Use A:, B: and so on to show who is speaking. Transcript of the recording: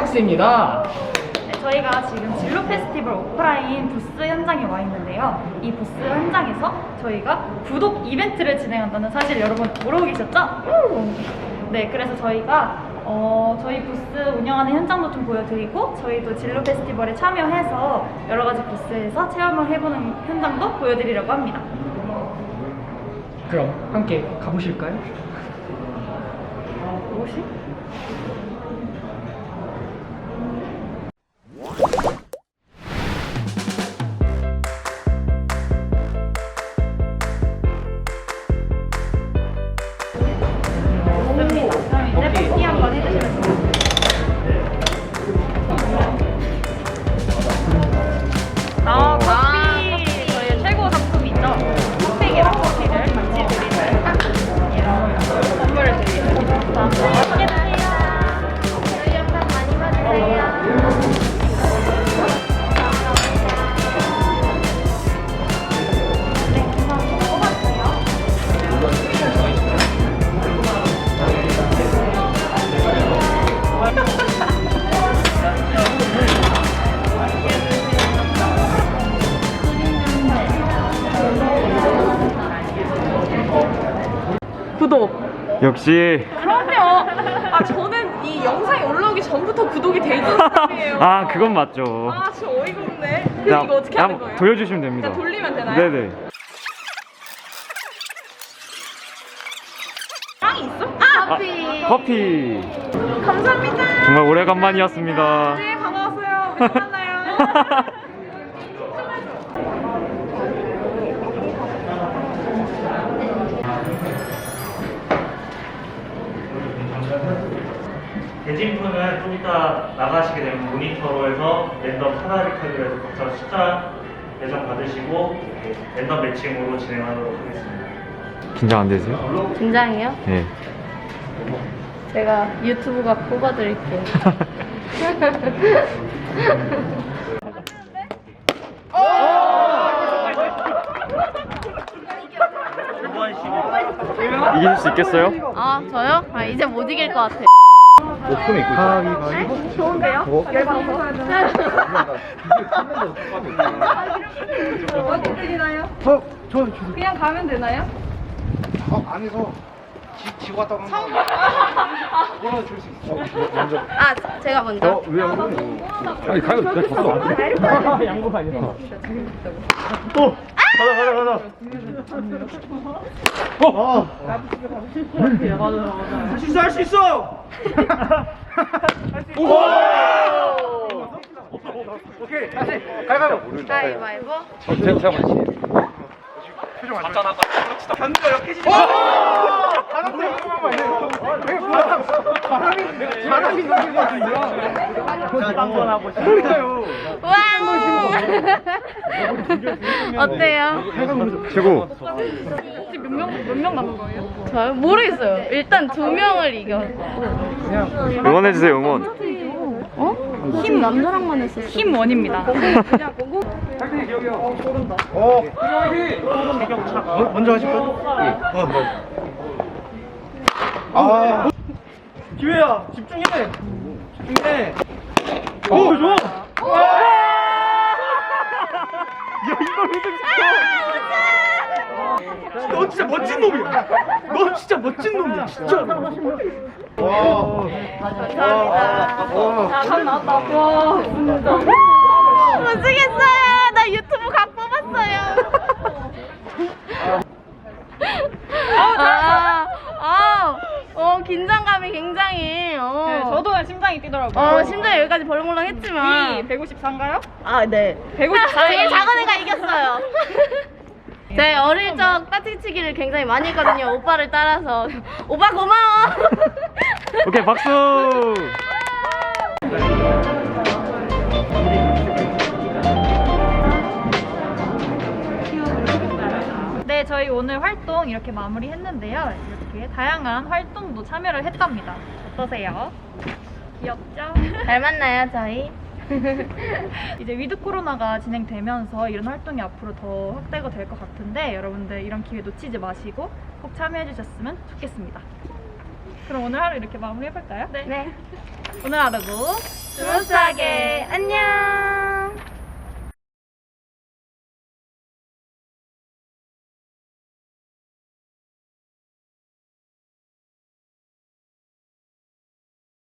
A: 박스입니다.
B: 네, 저희가 지금 진로 페스티벌 오프라인 부스 현장에 와 있는데요. 이 부스 현장에서 저희가 구독 이벤트를 진행한다는 사실 여러분 모르고 계셨죠? 네, 그래서 저희가 저희 부스 운영하는 현장도 좀 보여드리고 저희도 진로 페스티벌에 참여해서 여러 가지 부스에서 체험을 해보는 현장도 보여드리려고 합니다.
A: 그럼 함께 가보실까요?
B: 무엇이? 그럼 이제 뽑기 한번 해주시면 좋겠습니다. 커피! 저희의 최고 상품이죠. 흑백이랑 커피를 같이 드리는 이런 선물을 드리겠습니다. 맛있게 드세요. 저희 영상 많이 봐주세요. 구독.
C: 역시.
D: 그럼요. 아 저는 이 영상이 올라오기 전부터 구독이 돼 있는 사람이에요.
C: 아 그건 맞죠.
D: 아 진짜 어이가 없네. 그럼 이거 어떻게 하는 거예요?
C: 돌려주시면 됩니다.
D: 그냥 돌리면 되나요?
C: 네네.
D: 빵이 있어?
C: 커피. 커피.
D: 감사합니다.
C: 정말 오래간만이었습니다.
D: 네 반가웠어요. 우리 또 만나요.
E: 대진표는 좀 이따 나가시게 되면 모니터로 해서 랜덤 하나를 타기로 해서 각자 숫자 배정 받으시고 랜덤 매칭으로 진행하도록 하겠습니다.
C: 긴장 안 되세요?
F: 긴장해요?
C: 네.
F: 제가 유튜브가 뽑아드릴게요.
C: 이길 수 있겠어요?
F: 아, 저요? 아, 이제 못 이길 것 같아요.
C: 오픈에 있고 있어요.
D: 좋은데요? 열받아서. 어디 드리나요? 그냥 가면 되나요?
G: 안에서 지고 갔다 오는 거 그거는 줄 수 있어. 먼저.
F: 아, 제가 먼저.
G: 왜 안 그러냐? 아니 가요. 내가 졌어.
A: 양보 아니라.
G: 또 가자 가자. 할 수 있어. 오케이 다시 가위바위보.
F: 가위바위보.
G: 제가 맞지. 표정 안 좋아. 견디가 약해지지 마. 바람이 너무 좋아. 한번 하고 싶어요.
F: 와! 어때요?
C: 최고.
B: 몇 명 남은 거예요?
F: 저요? 모르겠어요. 일단 2명을 이겼고.
C: 응원해주세요, 응원.
F: 어? 힘 남자랑만 했었어.
B: 힘 원입니다.
G: 먼저 하실 거예요? 아 기회야 집중해 집중해 오 좋아 야 이걸 너 진짜 멋진 놈이야 너 진짜 멋진 놈이야 진짜 와
F: 감사합니다.
B: 감 나왔다. 와, 진짜.
F: 못쓰겠어요. 나 유튜브 각 뽑았어요. 긴장감이 굉장히.
B: 네, 저도 심장이 뛰더라고요.
F: 심장이 여기까지 벌렁벌렁 했지만.
B: 154인가요?
F: 아, 네.
B: 154.
F: 제일 작은 애가 이겼어요. 제 어릴 적 따뜻치기를 굉장히 많이 했거든요. 오빠를 따라서. 오빠 고마워.
C: 오케이, 박수!
B: 네, 저희 오늘 활동 이렇게 마무리했는데요. 이렇게 다양한 활동도 참여를 했답니다. 어떠세요? 귀엽죠?
F: 잘 만나요, 저희.
B: 이제 위드 코로나가 진행되면서 이런 활동이 앞으로 더 확대가 될 것 같은데 여러분들 이런 기회 놓치지 마시고 꼭 참여해 주셨으면 좋겠습니다. 그럼 오늘 하루 이렇게 마무리해볼까요?
F: 네.
B: 오늘 하루도
F: 스무스하게 안녕.